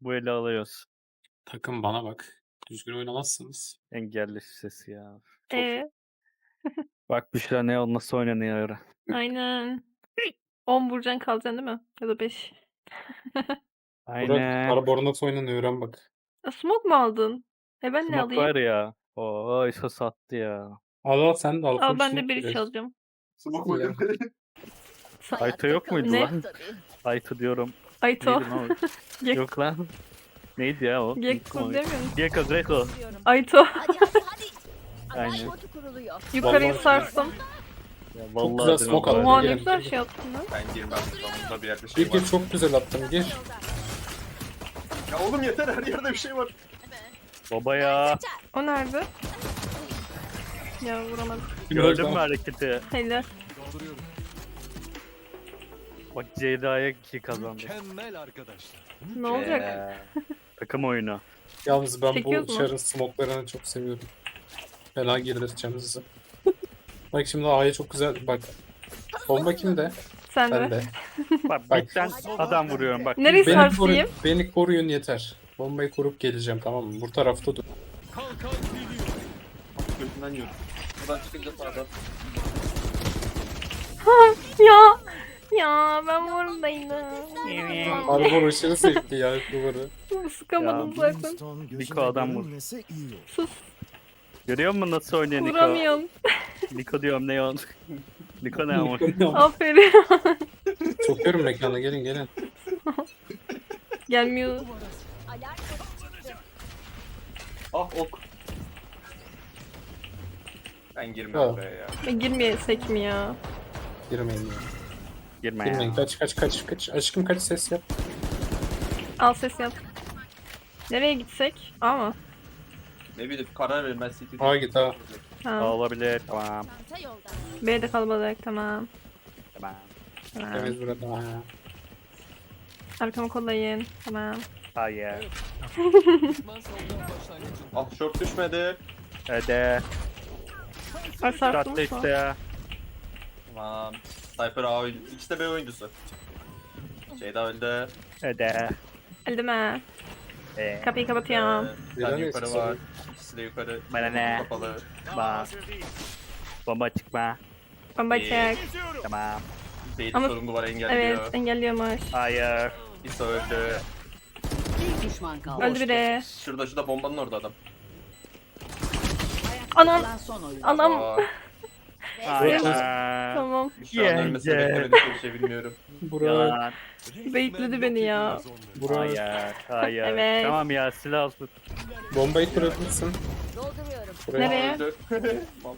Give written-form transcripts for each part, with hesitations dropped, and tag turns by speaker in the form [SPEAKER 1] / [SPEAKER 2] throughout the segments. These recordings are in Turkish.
[SPEAKER 1] Bu eli alıyoruz.
[SPEAKER 2] Takım bana bak. Düzgün oynamazsınız.
[SPEAKER 1] Engelli sesi ya. Çok.
[SPEAKER 3] Ee,
[SPEAKER 1] Bak Büşra ne nasıl oynanıyor öyle.
[SPEAKER 3] aynen. 10 vuracaksın kalacaksın değil mi? Ya da 5.
[SPEAKER 2] Burak
[SPEAKER 1] Aynen.
[SPEAKER 2] Barbaros oynanıyor öğren bak.
[SPEAKER 3] Smoke mu aldın? Ben ne
[SPEAKER 1] Smoke
[SPEAKER 3] alayım?
[SPEAKER 1] var ya. Oo ISO sattı ya.
[SPEAKER 2] Al sen de al.
[SPEAKER 3] Al
[SPEAKER 2] full
[SPEAKER 3] ben de
[SPEAKER 2] smoke
[SPEAKER 3] bir
[SPEAKER 2] direkt.
[SPEAKER 3] çalacağım.
[SPEAKER 4] Smoke
[SPEAKER 2] Ya.
[SPEAKER 4] oynadı.
[SPEAKER 1] Ayto yok muydu
[SPEAKER 3] Ne?
[SPEAKER 1] lan? Ayto diyorum.
[SPEAKER 3] Ayto.
[SPEAKER 1] Neydi lan o?
[SPEAKER 3] Gek-
[SPEAKER 1] Yok lan. Neydi ya o?
[SPEAKER 3] Gekko
[SPEAKER 1] Unuttum
[SPEAKER 3] demiyor musun?
[SPEAKER 1] onu. Gekko.
[SPEAKER 3] Ayto.
[SPEAKER 5] Hadi hadi hadi.
[SPEAKER 1] Aynen.
[SPEAKER 5] Alarm botu kuruluyor.
[SPEAKER 3] Yukarıyı
[SPEAKER 2] Vallahi-
[SPEAKER 3] sarsın.
[SPEAKER 1] Ya
[SPEAKER 2] Çok
[SPEAKER 1] vallahi
[SPEAKER 2] güzel
[SPEAKER 1] dedim
[SPEAKER 2] smoke
[SPEAKER 1] ama.
[SPEAKER 2] attın.
[SPEAKER 3] Oha ne
[SPEAKER 2] Girin,
[SPEAKER 3] güzel
[SPEAKER 2] girin.
[SPEAKER 3] şey yaptın lan.
[SPEAKER 4] Ben girmem. Burada bir yerde şey
[SPEAKER 2] Gir
[SPEAKER 4] var.
[SPEAKER 2] gir çok güzel attın gir.
[SPEAKER 4] Ya oğlum yeter, her yerde bir şey var.
[SPEAKER 1] Baba ya.
[SPEAKER 3] O nerede? Ya vuramadım.
[SPEAKER 1] Gördün mü hareketi?
[SPEAKER 3] Helal.
[SPEAKER 1] Bak Ceyda'ya 2 kazandı.
[SPEAKER 6] Mükemmel arkadaşlar.
[SPEAKER 3] Ne olacak?
[SPEAKER 1] Takım oyunu.
[SPEAKER 2] Yalnız ben
[SPEAKER 3] Çekiyoruz
[SPEAKER 2] bu
[SPEAKER 3] mu?
[SPEAKER 2] Char'ın smoke'larını çok seviyorum. Fena girdireceğim sizi. Bak şimdi A'ya çok güzel bak. Bomba kimde?
[SPEAKER 3] Sen
[SPEAKER 2] Ben
[SPEAKER 3] de.
[SPEAKER 2] de.
[SPEAKER 1] Bak
[SPEAKER 2] Bak.
[SPEAKER 1] bitten adam vuruyorum bak.
[SPEAKER 3] Nereyi
[SPEAKER 2] Beni,
[SPEAKER 3] sarsayım?
[SPEAKER 2] beni koruyun yeter. Bombayı kurup geleceğim tamam mı? Bu tarafta dur.
[SPEAKER 6] Kalkan geliyor.
[SPEAKER 4] Gözünden yiyorum. Buradan çıkınca sağdan.
[SPEAKER 3] Ya. Ya ben buradaydım.
[SPEAKER 2] Harbor aşırı zevkli ya duvarı.
[SPEAKER 3] Sıkamadım
[SPEAKER 1] Ya,
[SPEAKER 3] zaten.
[SPEAKER 1] Niko adam vur.
[SPEAKER 3] Sus.
[SPEAKER 1] Görüyor musun nasıl oynuyor Niko?
[SPEAKER 3] Vuramıyorum.
[SPEAKER 1] Niko diyorum ne on. Niko ne ama?
[SPEAKER 3] Aferin.
[SPEAKER 2] Sokuyorum mekana gelin gelin.
[SPEAKER 3] Gelmiyor.
[SPEAKER 5] Alarm botu çıktı.
[SPEAKER 4] Ah ok. Ben girmem
[SPEAKER 2] Ya.
[SPEAKER 4] buraya ya.
[SPEAKER 3] Girmeyesek mi ya?
[SPEAKER 2] Girmeyin ya.
[SPEAKER 1] Girme
[SPEAKER 2] Girmeyin
[SPEAKER 1] ya.
[SPEAKER 2] kaç. Aşkım kaç ses yap.
[SPEAKER 3] Al ses yap. Nereye gitsek? Ama.
[SPEAKER 4] Ne bileyim, karar verin, ben City.
[SPEAKER 2] A git ha.
[SPEAKER 3] Ha.
[SPEAKER 1] Olabilir tamam.
[SPEAKER 5] Çanta yolda.
[SPEAKER 3] B'de kalabalık tamam.
[SPEAKER 1] Tamam.
[SPEAKER 3] Tamam.
[SPEAKER 2] Temiz burada. Ha.
[SPEAKER 3] Arkamı kollayın. Tamam.
[SPEAKER 1] Hayır.
[SPEAKER 6] Düşman savunma başlangıcında.
[SPEAKER 4] Ah short düşmedi.
[SPEAKER 1] Hadi.
[SPEAKER 3] Ay sarsın
[SPEAKER 1] Tatlı
[SPEAKER 3] mı?
[SPEAKER 1] işte.
[SPEAKER 4] Tamam. Sniper A oyuncu. İkisi de B oyuncusu. Şeyda öldü.
[SPEAKER 1] Hadi.
[SPEAKER 3] Öldüm ha. Kapıyı kapatıyorum.
[SPEAKER 4] Bir
[SPEAKER 2] Neden
[SPEAKER 4] tane yukarı
[SPEAKER 2] eksik
[SPEAKER 4] var. İkisi de yukarı.
[SPEAKER 1] Bana ne?
[SPEAKER 4] Kapalı.
[SPEAKER 1] Bak. Bomba çıkma.
[SPEAKER 3] Bomba
[SPEAKER 4] İyi.
[SPEAKER 3] çek.
[SPEAKER 1] Tamam.
[SPEAKER 4] Beyli
[SPEAKER 3] Ama-
[SPEAKER 4] sorungu var, engelliyor.
[SPEAKER 3] Evet engelliyormuş.
[SPEAKER 1] Hayır.
[SPEAKER 4] İso öldü.
[SPEAKER 5] Bir düşman kaldı.
[SPEAKER 3] Öldü biri.
[SPEAKER 4] Şurada bombanın orada adam.
[SPEAKER 3] Anam.
[SPEAKER 5] Kalan son oyun.
[SPEAKER 3] Anam.
[SPEAKER 4] Aa,
[SPEAKER 1] Hayır.
[SPEAKER 3] Tamam.
[SPEAKER 4] şu an ölmesini
[SPEAKER 1] Yenge.
[SPEAKER 4] beklemedik, bir şey bilmiyorum.
[SPEAKER 2] Burak.
[SPEAKER 1] Yalan.
[SPEAKER 3] Bekledi beni ya.
[SPEAKER 2] Burak.
[SPEAKER 1] Hayır. Hayır.
[SPEAKER 3] Evet.
[SPEAKER 1] Tamam ya silah al.
[SPEAKER 2] Bombayı kurabilirsin.
[SPEAKER 5] Dolduruyorum.
[SPEAKER 2] Buraya.
[SPEAKER 3] Nereye?
[SPEAKER 4] Öldü. Tamam.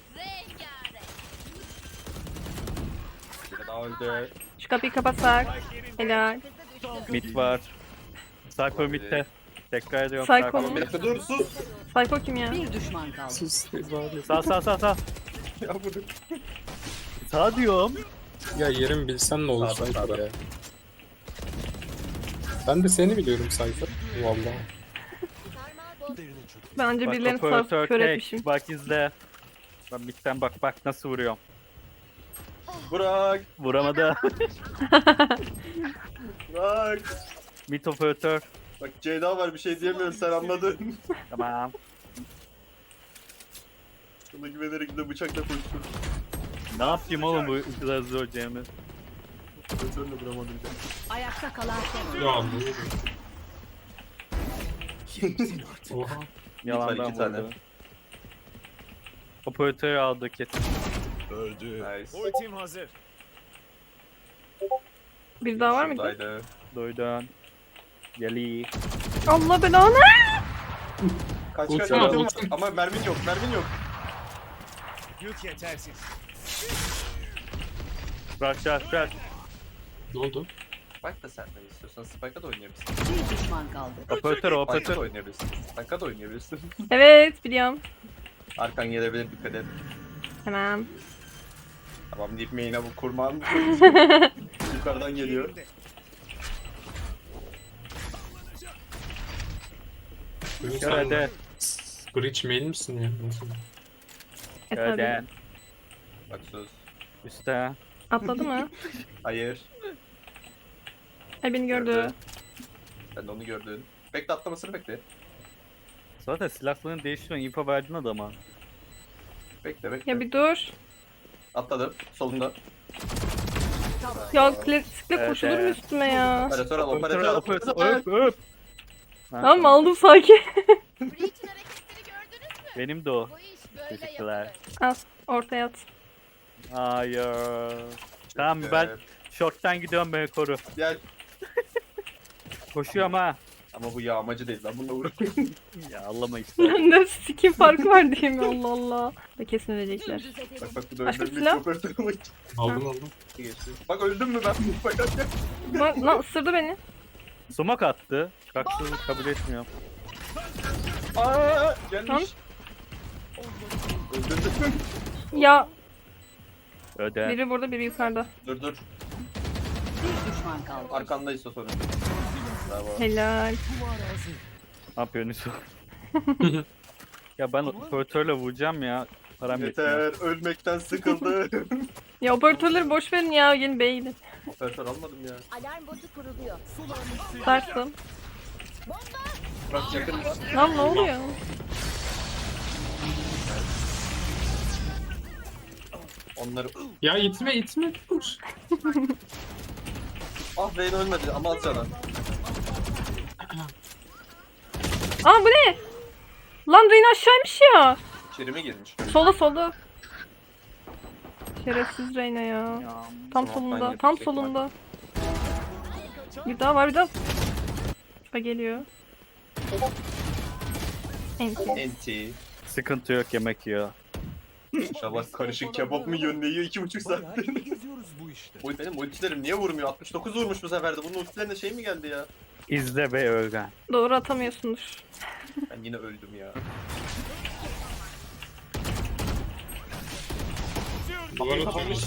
[SPEAKER 4] Biri daha öldü.
[SPEAKER 3] Şu kapıyı kapatsak. Helal.
[SPEAKER 1] Mid var. Cypher mid'de. Tekrar ediyorum.
[SPEAKER 3] Psycho
[SPEAKER 1] Cypher
[SPEAKER 3] mu?
[SPEAKER 4] Bir
[SPEAKER 1] mid.
[SPEAKER 4] dakika dur, sus.
[SPEAKER 3] Psycho kim ya?
[SPEAKER 5] Bir düşman kaldı.
[SPEAKER 2] Sus. bari.
[SPEAKER 1] Sağ.
[SPEAKER 4] Ya bunu.
[SPEAKER 1] Sağ diyorum.
[SPEAKER 2] Ya yerim bilsen ne olur
[SPEAKER 4] Sağda,
[SPEAKER 2] Cypher
[SPEAKER 4] sağda.
[SPEAKER 2] ya. Ben de seni biliyorum Cypher. Vallahi.
[SPEAKER 3] Bence
[SPEAKER 1] Bak
[SPEAKER 3] birilerini
[SPEAKER 1] operatör
[SPEAKER 3] sarıp kör
[SPEAKER 1] tek.
[SPEAKER 3] etmişim.
[SPEAKER 1] Bak izle. Ben mid'den bak nasıl vuruyorum.
[SPEAKER 4] Burak.
[SPEAKER 1] Vuramadı.
[SPEAKER 4] Burak.
[SPEAKER 1] Mid operatör.
[SPEAKER 4] Bak Ceyda var, bir şey diyemiyorum, sen anladın.
[SPEAKER 1] Tamam.
[SPEAKER 4] Sana güvenerek de bıçakla koştum.
[SPEAKER 1] Ne yapayım oğlum bu kadar zor Cemil.
[SPEAKER 4] Operatörle vuramadım.
[SPEAKER 5] Ayakta kalan son oyun.
[SPEAKER 2] Ya Oha.
[SPEAKER 1] Yalandan
[SPEAKER 4] iki tane.
[SPEAKER 1] vurdu. Operatörü aldı kesin.
[SPEAKER 6] Öldü.
[SPEAKER 4] Nice.
[SPEAKER 6] Ultim hazır.
[SPEAKER 3] Bir daha var mıydı?
[SPEAKER 4] Şuradaydı.
[SPEAKER 1] Duydun. Geli.
[SPEAKER 3] Allah belanı.
[SPEAKER 4] Kaç
[SPEAKER 2] Ulti
[SPEAKER 4] kaç
[SPEAKER 2] al,
[SPEAKER 4] ultim var.
[SPEAKER 2] ulti.
[SPEAKER 4] Ama mermin yok, mermin yok.
[SPEAKER 6] Yük yetersiz.
[SPEAKER 1] Bırak.
[SPEAKER 2] Ne oldu?
[SPEAKER 4] Spike da senden istiyorsan Spike'a da oynayabilirsin.
[SPEAKER 5] Bir düşman kaldı.
[SPEAKER 1] Operatör
[SPEAKER 4] Spike'a da oynayabilirsin. Spike'a da oynayabilirsin.
[SPEAKER 3] Evet biliyorum.
[SPEAKER 4] Arkan gelebilir, dikkat et.
[SPEAKER 3] Tamam.
[SPEAKER 4] Tamam deyip main'e bu kurman. Yukarıdan geliyor.
[SPEAKER 1] Hadi.
[SPEAKER 2] Breach main misin ya? Nasıl?
[SPEAKER 3] Etmedi.
[SPEAKER 1] Hadi.
[SPEAKER 4] Bak söz.
[SPEAKER 1] Üste.
[SPEAKER 3] Atladı mı?
[SPEAKER 4] Hayır.
[SPEAKER 3] Ay beni gördü.
[SPEAKER 4] Sen de onu gördün. Bekle atlamasını bekle.
[SPEAKER 1] Zaten silahlarını değiştiriyorsun. İnfo verdin adama.
[SPEAKER 4] Bekle bekle.
[SPEAKER 3] Ya bir dur.
[SPEAKER 4] Atladım. Solunda.
[SPEAKER 3] Ya klasikle
[SPEAKER 1] Evet,
[SPEAKER 3] koşulur mu
[SPEAKER 1] evet.
[SPEAKER 3] üstüme ya?
[SPEAKER 4] Operatör al,
[SPEAKER 1] Operatör,
[SPEAKER 4] operatör al.
[SPEAKER 1] operatör, öp öp. Ha,
[SPEAKER 3] Tamam aldım sakin.
[SPEAKER 7] Breach'in hareketleri gördünüz mü?
[SPEAKER 1] Benim de o.
[SPEAKER 7] Bu iş böyle
[SPEAKER 1] Teşekkürler.
[SPEAKER 7] yapılır.
[SPEAKER 3] Al ortaya at.
[SPEAKER 1] Hayır. Tamam ben short'tan gidiyorum, beni koru.
[SPEAKER 4] Gel.
[SPEAKER 1] Koşuyorum ha.
[SPEAKER 4] Ama bu yağmacı değil lan, bununla uğraş.
[SPEAKER 1] Ya Allah'ıma işte.
[SPEAKER 3] Ne skin farkı var değil mi? Allah Allah. Ve kesin ölecekler.
[SPEAKER 5] Dümdüz edelim.
[SPEAKER 4] Bak bak bu da
[SPEAKER 3] Başka
[SPEAKER 4] öldürmüş
[SPEAKER 3] silah?
[SPEAKER 4] operatör ama
[SPEAKER 2] Aldım.
[SPEAKER 4] geçti. Bak öldüm mü ben? Bak hadi.
[SPEAKER 3] Lan ısırdı beni.
[SPEAKER 1] Sumak attı. Haksızlık kabul etmiyorum.
[SPEAKER 4] Aaa gelmiş.
[SPEAKER 3] Lan.
[SPEAKER 4] Öldürdüm.
[SPEAKER 3] Ya
[SPEAKER 1] Öde.
[SPEAKER 3] biri burada biri yukarıda.
[SPEAKER 4] Dur dur.
[SPEAKER 5] Bir düşman kaldı.
[SPEAKER 4] Arkandayız o sorun. Bravo.
[SPEAKER 3] Helal.
[SPEAKER 1] Ne yapıyorsun Yusuf? Ya ben operatörle vuracağım ya. Param yetmiyor.
[SPEAKER 4] Yeter, ölmekten sıkıldım.
[SPEAKER 3] Ya operatörleri boş verin ya. Gelin B'ye gidin.
[SPEAKER 4] Operatör almadım ya.
[SPEAKER 5] Alarm botu kuruluyor.
[SPEAKER 3] Sarstım.
[SPEAKER 4] Bak yakın.
[SPEAKER 3] Lan ne oluyor?
[SPEAKER 4] Onları...
[SPEAKER 2] Ya itme dur.
[SPEAKER 4] Ah Reyna ölmedi ama az canı.
[SPEAKER 3] Aa bu ne? Lan Reyna aşağıymış ya.
[SPEAKER 4] İçeri mi girmiş?
[SPEAKER 3] Solda. Şerefsiz Reyna ya.
[SPEAKER 1] Ya.
[SPEAKER 3] Tam
[SPEAKER 4] Tamam,
[SPEAKER 3] solunda.
[SPEAKER 4] ben
[SPEAKER 3] Tam
[SPEAKER 4] yapacak
[SPEAKER 3] solunda. Bir daha var bir daha. Ha geliyor. Enti.
[SPEAKER 4] Enti.
[SPEAKER 1] Sıkıntı yok, yemek yiyor.
[SPEAKER 4] İnşallah karışık kebap mı yiyor, ne yiyor 2,5
[SPEAKER 6] Bayağı
[SPEAKER 4] saattir.
[SPEAKER 6] iyi geziyoruz bu işte.
[SPEAKER 4] Oy benim ultilerim niye vurmuyor? 69 vurmuş bu sefer de. Bunun ultilerine şey mi geldi ya?
[SPEAKER 1] İzle ve öğren.
[SPEAKER 3] Doğru atamıyorsundur.
[SPEAKER 4] Ben yine öldüm ya.
[SPEAKER 2] Duvar atılmış.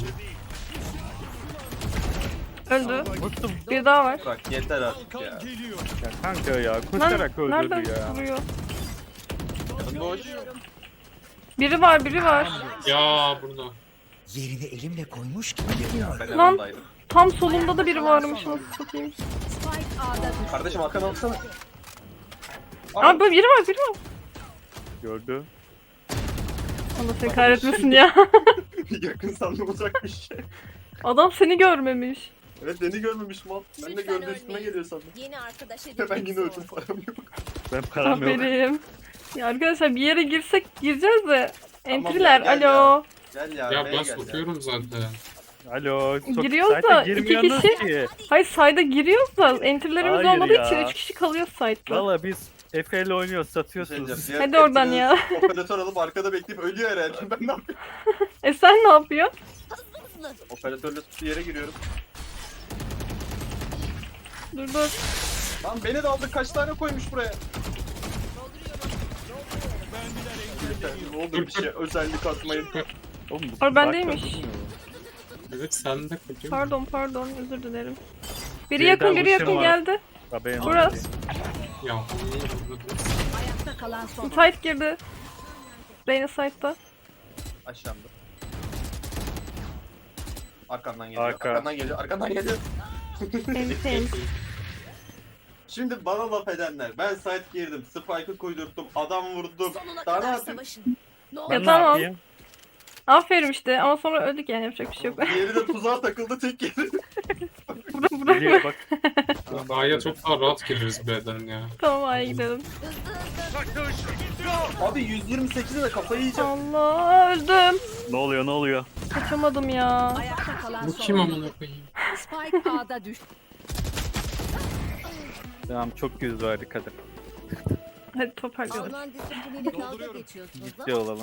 [SPEAKER 3] Öldü.
[SPEAKER 1] Vurdum.
[SPEAKER 3] Bir daha var.
[SPEAKER 4] Bak yeter artık
[SPEAKER 6] Kalkan
[SPEAKER 4] ya.
[SPEAKER 6] geliyor.
[SPEAKER 1] Ya kanka ya,
[SPEAKER 3] Lan
[SPEAKER 1] koşarak
[SPEAKER 3] nereden
[SPEAKER 1] öldürdü ya.
[SPEAKER 3] vuruyor?
[SPEAKER 4] Yanım boş.
[SPEAKER 3] Biri var.
[SPEAKER 2] Ya burada.
[SPEAKER 6] Yerini elimle koymuş gibi geliyor.
[SPEAKER 4] Ben
[SPEAKER 3] Lan.
[SPEAKER 4] yanındaydım.
[SPEAKER 3] Tam solumda da biri varmış. Nasıl satayım?
[SPEAKER 5] Spike A'da düştü.
[SPEAKER 4] Kardeşim Hakan alsana.
[SPEAKER 3] Aa böyle biri var.
[SPEAKER 1] Gördü.
[SPEAKER 3] Allah seni kahretmesin ya.
[SPEAKER 4] Yakın sandım uzak bir şey.
[SPEAKER 3] Adam seni görmemiş.
[SPEAKER 4] Evet beni görmemiş mal. Ben de
[SPEAKER 7] Lütfen
[SPEAKER 4] gördü üstüme
[SPEAKER 7] ölmeyin.
[SPEAKER 4] geliyor sandım.
[SPEAKER 7] Yeni arkadaş
[SPEAKER 4] Ben yine
[SPEAKER 7] edinmek
[SPEAKER 4] öldüm
[SPEAKER 7] zor.
[SPEAKER 4] param yok.
[SPEAKER 1] Ben param yok.
[SPEAKER 3] Aferin. Ya arkadaşlar bir yere gireceğiz de.
[SPEAKER 4] Tamam
[SPEAKER 3] Entry'ler
[SPEAKER 4] ya, gel
[SPEAKER 3] alo.
[SPEAKER 4] Gel ya.
[SPEAKER 2] Ya
[SPEAKER 4] B'ye
[SPEAKER 2] ben
[SPEAKER 4] gel ya.
[SPEAKER 2] sokuyorum zaten.
[SPEAKER 1] Alo.
[SPEAKER 3] Giriyoruz
[SPEAKER 1] site'e
[SPEAKER 3] da iki
[SPEAKER 1] girmiyorsunuz
[SPEAKER 3] kişi-
[SPEAKER 1] ki.
[SPEAKER 3] Hayır side'a giriyoruz da entry'lerimiz
[SPEAKER 1] Hayır
[SPEAKER 3] olmadığı
[SPEAKER 1] ya.
[SPEAKER 3] için 3 kişi kalıyor side'da.
[SPEAKER 1] Valla biz Efe ile oynuyoruz,
[SPEAKER 4] Bir şey
[SPEAKER 1] satıyorsunuz.
[SPEAKER 4] diyeceğim, diğer
[SPEAKER 3] Hadi oradan
[SPEAKER 4] hepiniz
[SPEAKER 3] ya.
[SPEAKER 4] Operatör alıp arkada bekleyip ölüyor herhalde. Ben ne yapayım?
[SPEAKER 3] Sen ne yapıyorsun?
[SPEAKER 4] Operatörle tuttuğu yere giriyorum.
[SPEAKER 3] Dur.
[SPEAKER 4] Lan beni de aldı, kaç tane koymuş buraya? Yeter, ne oldu bir şey özellik atmayın.
[SPEAKER 1] Oğlum, bu
[SPEAKER 3] Or bendeymiş.
[SPEAKER 1] bakma.
[SPEAKER 2] Evet sen de koyuyorum.
[SPEAKER 3] Pardon özür dilerim. Biri
[SPEAKER 1] Birden
[SPEAKER 3] yakın
[SPEAKER 1] vuruşum var.
[SPEAKER 3] geldi.
[SPEAKER 1] Haberin
[SPEAKER 3] Burası.
[SPEAKER 1] olsun.
[SPEAKER 2] Ya.
[SPEAKER 5] Ayakta kalan son.
[SPEAKER 3] Side girdi. Reyna side'da.
[SPEAKER 4] Aşağımda. Arkandan geliyor,
[SPEAKER 1] Arka.
[SPEAKER 4] arkandan geliyor.
[SPEAKER 3] Temiz.
[SPEAKER 4] Şimdi bana laf edenler, ben site girdim, spike'ı koydurttum, adam vurdum.
[SPEAKER 7] Sonuna
[SPEAKER 4] Daha ne
[SPEAKER 7] kadar
[SPEAKER 4] yapayım?
[SPEAKER 7] savaşın. Ne olur
[SPEAKER 1] Ben
[SPEAKER 3] Ya
[SPEAKER 1] ne
[SPEAKER 3] tamam.
[SPEAKER 1] yapayım?
[SPEAKER 3] Aferin işte ama sonra öldük yani yapacak bir şey yok.
[SPEAKER 4] Diğeri de tuzağa takıldı, tek yedi.
[SPEAKER 1] Geliyor bak.
[SPEAKER 2] A'ya çok daha rahat gireriz B'den ya.
[SPEAKER 3] Tamam A'ya gidelim.
[SPEAKER 4] Abi 128'e de kafayı yiyeceğim.
[SPEAKER 3] Allah öldüm.
[SPEAKER 1] Ne oluyor?
[SPEAKER 3] Kaçamadım ya.
[SPEAKER 5] Ayakta kalan
[SPEAKER 2] Bu
[SPEAKER 5] son.
[SPEAKER 2] kim amına koyayım?
[SPEAKER 5] Spike A'da düştü.
[SPEAKER 1] Tamam, çok yüz verdik hadi.
[SPEAKER 3] Hadi toparlayalım.
[SPEAKER 7] Alman disipliniyle dalga geçiyorsunuz.
[SPEAKER 1] Ciddi olalım.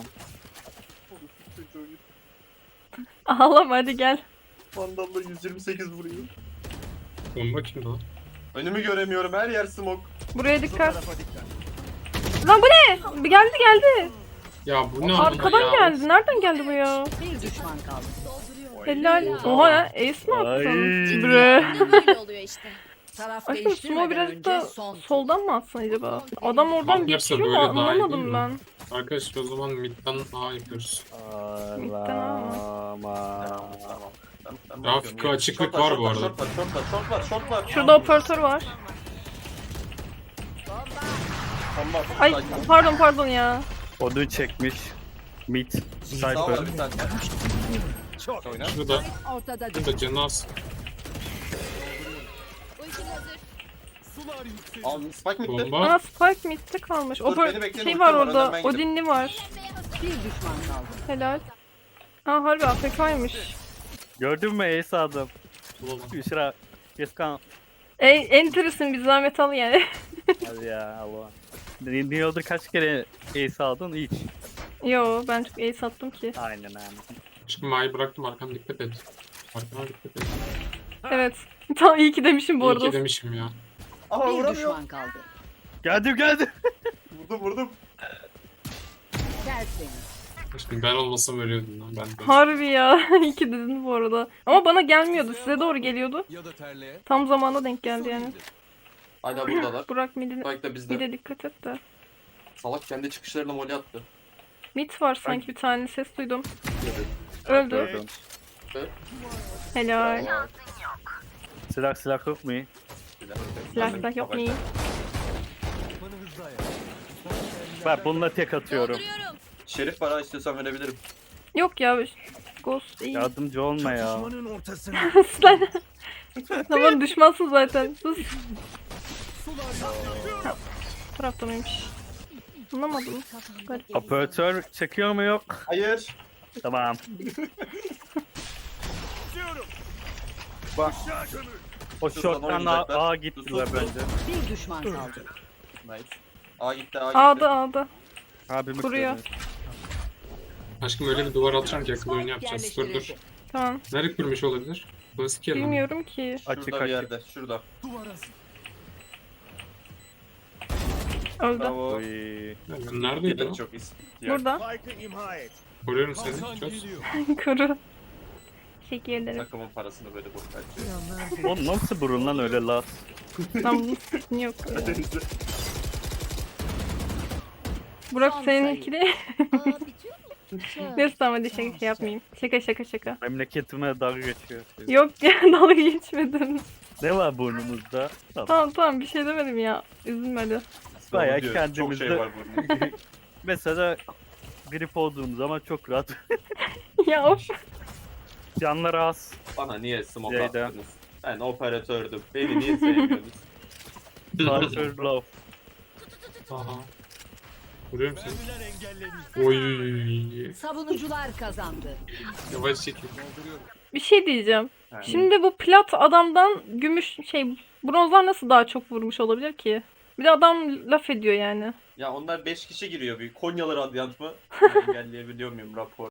[SPEAKER 3] Ağlama hadi gel.
[SPEAKER 4] Vandal'la 128 vuruyor.
[SPEAKER 2] Bomba kimdi lan?
[SPEAKER 4] Önümü göremiyorum, her yer smoke.
[SPEAKER 3] Buraya dikkat. Lan bu ne? Geldi.
[SPEAKER 2] Ya bu ne amına
[SPEAKER 3] Arkadan
[SPEAKER 2] ya?
[SPEAKER 3] geldi. Nereden geldi bu ya?
[SPEAKER 5] Bir düşman kaldı.
[SPEAKER 3] Helal. Oha ya ace mi
[SPEAKER 1] Ay.
[SPEAKER 3] attın? Bre.
[SPEAKER 7] Böyle oluyor işte.
[SPEAKER 5] Taraf
[SPEAKER 3] Aşkım Sumo
[SPEAKER 5] değiştirmeden
[SPEAKER 3] birazcık
[SPEAKER 5] önce
[SPEAKER 3] da
[SPEAKER 5] son.
[SPEAKER 3] soldan mı atsan acaba? Adam oradan
[SPEAKER 2] Bak,
[SPEAKER 3] geçiyor
[SPEAKER 2] böyle
[SPEAKER 3] mu?
[SPEAKER 2] daha iyi değil
[SPEAKER 3] Anlamadım
[SPEAKER 2] mi?
[SPEAKER 3] ben.
[SPEAKER 2] Arkadaşlar o zaman midden A yapıyoruz.
[SPEAKER 1] Ağlama.
[SPEAKER 2] Grafik açıklık var bu arada.
[SPEAKER 4] Short var.
[SPEAKER 3] Şurada operatör var.
[SPEAKER 4] Bomba.
[SPEAKER 3] Ay
[SPEAKER 4] Side.
[SPEAKER 3] pardon ya.
[SPEAKER 1] Odun çekmiş. Mid.
[SPEAKER 4] Sağ var
[SPEAKER 1] Cypher.
[SPEAKER 4] bir tane. Oyna.
[SPEAKER 2] Şurada.
[SPEAKER 5] Ortada düştü.
[SPEAKER 2] Şurada canı az.
[SPEAKER 7] Ultim hazır.
[SPEAKER 6] Sular yükseliyor.
[SPEAKER 4] Al spike midde.
[SPEAKER 2] Bomba.
[SPEAKER 3] Aa Spike mid'de kalmış.
[SPEAKER 4] Dur, beni bekleyin,
[SPEAKER 3] Şey
[SPEAKER 4] ultim
[SPEAKER 3] var
[SPEAKER 4] var,
[SPEAKER 3] orada.
[SPEAKER 4] önden ben gidiyorum.
[SPEAKER 3] Odinli var.
[SPEAKER 5] Bir düşman kaldı.
[SPEAKER 3] Helal. Aa harbi AFK'ymış.
[SPEAKER 1] Gördün mü Ace aldım.
[SPEAKER 2] Bulalım.
[SPEAKER 1] Yusra. Yeskan.
[SPEAKER 3] Enter'ısın bir zahmet al yani.
[SPEAKER 1] Hadi ya Allah. New York'da kaç kere Ace aldın? Hiç.
[SPEAKER 3] Yo ben çok ace attım ki.
[SPEAKER 1] Aynen aynen.
[SPEAKER 2] Şimdi Ma'yı bıraktım arkana dikkat et. Arkana dikkat et.
[SPEAKER 3] Evet. Tamam iyi ki demişim bu
[SPEAKER 2] İyi
[SPEAKER 3] arada.
[SPEAKER 2] ki demişim ya.
[SPEAKER 4] Aha
[SPEAKER 5] Bir
[SPEAKER 4] vuramıyor.
[SPEAKER 5] düşman kaldı.
[SPEAKER 1] Geldim.
[SPEAKER 4] Vurdum.
[SPEAKER 5] Tertemiz.
[SPEAKER 2] Şimdi ben olmasam ölüyordum lan ben de.
[SPEAKER 3] Harbi ya. İyi ki dedin bu arada. Ama bana gelmiyordu. Size doğru geliyordu.
[SPEAKER 6] Ya da terliğe.
[SPEAKER 3] Tam zamanda denk geldi yani.
[SPEAKER 4] Hala buradalar.
[SPEAKER 3] Burak midine
[SPEAKER 4] Spike de bizde.
[SPEAKER 3] bir de dikkat et de.
[SPEAKER 4] Salak kendi çıkışlarına molly attı.
[SPEAKER 3] Mid var sanki bir tane ses duydum.
[SPEAKER 4] Dedi.
[SPEAKER 3] Öldü.
[SPEAKER 1] Gördüm.
[SPEAKER 3] Helal.
[SPEAKER 1] Silah yok mu?
[SPEAKER 3] Silah yok mu?
[SPEAKER 6] Bana hızlı ayak.
[SPEAKER 1] Ben bununla tek atıyorum.
[SPEAKER 7] Dolduruyorum.
[SPEAKER 4] Şerif var ha, istiyorsan verebilirim.
[SPEAKER 3] Yok ya. Ghost iyi.
[SPEAKER 1] Yardımcı olma ya.
[SPEAKER 6] Düşmanın ortasına.
[SPEAKER 3] Sen. Tamam düşmansın zaten. Sus. Bu tarafta mıymış? Anlamadım. Garip.
[SPEAKER 1] Operatör çekiyor mu yok?
[SPEAKER 4] Hayır.
[SPEAKER 1] Tamam. Bak. O
[SPEAKER 4] Şuradan
[SPEAKER 1] short'tan
[SPEAKER 4] oynayacaklar.
[SPEAKER 1] A gittiler bence.
[SPEAKER 5] Bir düşman kaldı.
[SPEAKER 4] Nice. A gitti, A gitti.
[SPEAKER 3] A'da.
[SPEAKER 1] Abimi
[SPEAKER 3] Kuruyor.
[SPEAKER 1] kırdı.
[SPEAKER 2] Aşkım öyle bir duvar atacağım ki akıllı oyunu yapacağız. Dur dur.
[SPEAKER 5] Yerleştirildi.
[SPEAKER 3] Tamam.
[SPEAKER 2] Nereye kurmuş olabilir? Klasik yer mi?
[SPEAKER 3] Bilmiyorum ki.
[SPEAKER 1] Açık
[SPEAKER 4] Şurada bir
[SPEAKER 1] açık.
[SPEAKER 4] yerde. Şurada.
[SPEAKER 6] Duvar hazır.
[SPEAKER 3] Öldü.
[SPEAKER 4] Bravo.
[SPEAKER 1] Oy.
[SPEAKER 2] Neredeydi
[SPEAKER 4] Yedin
[SPEAKER 2] o?
[SPEAKER 4] çok iyi.
[SPEAKER 3] Burada.
[SPEAKER 2] Koruyorum seni.
[SPEAKER 6] Kalkan
[SPEAKER 2] Çöz.
[SPEAKER 6] geliyor.
[SPEAKER 3] Kuru. Teşekkür ederim.
[SPEAKER 4] Takımın parasını böyle boş harcıyor.
[SPEAKER 1] O nasıl burun lan öyle las?
[SPEAKER 3] Lan bunun sesini yok. ya. Burak
[SPEAKER 5] Son
[SPEAKER 3] seninkini.
[SPEAKER 7] Aa bitiyor mu?
[SPEAKER 3] Neyse tamam hadi şaka yapmayayım. Şaka.
[SPEAKER 1] Memleketime dalga geçiyor.
[SPEAKER 3] Yok ya dalga geçmedim.
[SPEAKER 1] Ne var burnumuzda?
[SPEAKER 3] Tamam bir şey demedim ya. Üzülme hadi.
[SPEAKER 1] Bayağı
[SPEAKER 4] Diyor,
[SPEAKER 1] kendimizde-
[SPEAKER 4] Çok şey var burada.
[SPEAKER 1] Mesela grip olduğum zaman çok rahat.
[SPEAKER 3] Ya of.
[SPEAKER 1] Canları az.
[SPEAKER 4] Bana niye smoke
[SPEAKER 1] Ceyda.
[SPEAKER 4] attınız? Ben operatördüm. Beni niye sevmiyorsunuz?
[SPEAKER 1] Cypher love.
[SPEAKER 2] Aha. Vuruyorum seni.
[SPEAKER 6] Mermiler engelleniyor.
[SPEAKER 2] Oy.
[SPEAKER 5] Savunucular kazandı.
[SPEAKER 2] Yavaş çekil.
[SPEAKER 6] Dolduruyorum.
[SPEAKER 3] Bir şey diyeceğim.
[SPEAKER 4] Yani
[SPEAKER 3] Şimdi bu plat adamdan gümüş bronzlar nasıl daha çok vurmuş olabilir ki? Bir de adam laf ediyor yani.
[SPEAKER 4] Ya onlar 5 kişi giriyor. Bir Konyalı Radyant mı? Engelleyebiliyor muyum rapor?